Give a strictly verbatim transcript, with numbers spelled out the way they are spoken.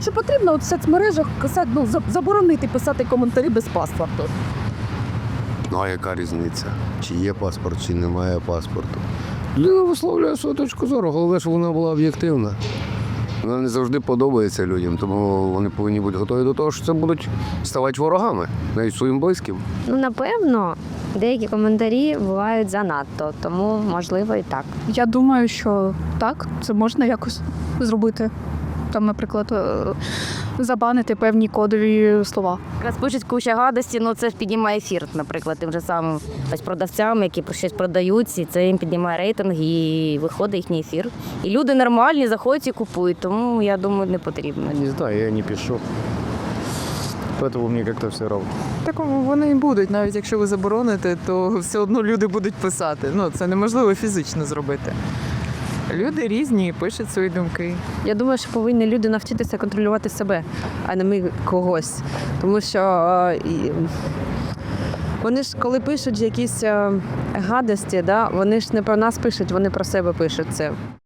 Чи потрібно от в соцмережах писати, ну, за- заборонити писати коментарі без паспорту? Ну а яка різниця? Чи є паспорт, чи немає паспорту? Людина висловлює свою точку зору, головне, щоб вона була об'єктивна. Вона не завжди подобається людям, тому вони повинні бути готові до того, що це будуть ставати ворогами, навіть своїм близьким. Ну, напевно, деякі коментарі бувають занадто, тому можливо і так. Я думаю, що так, це можна якось зробити. Там, наприклад, е, забанити певні кодові слова. Якраз пишуть куча гадості, ну це ж піднімає ефір, наприклад, тим же самим ось продавцям, які про щось продають, і це їм піднімає рейтинг і виходить їхній ефір. І люди нормальні, заходять і купують, тому я думаю, не потрібно. Не знаю, я не пишу. Поэтому мне как-то все равно. Так вони і будуть, навіть якщо ви забороните, то все одно люди будуть писати. Ну, це неможливо фізично зробити. Люди різні, пишуть свої думки. Я думаю, що повинні люди навчитися контролювати себе, а не ми когось. Тому що е, і вони ж, коли пишуть якісь е, гадості, да, вони ж не про нас пишуть, вони про себе пишуть це.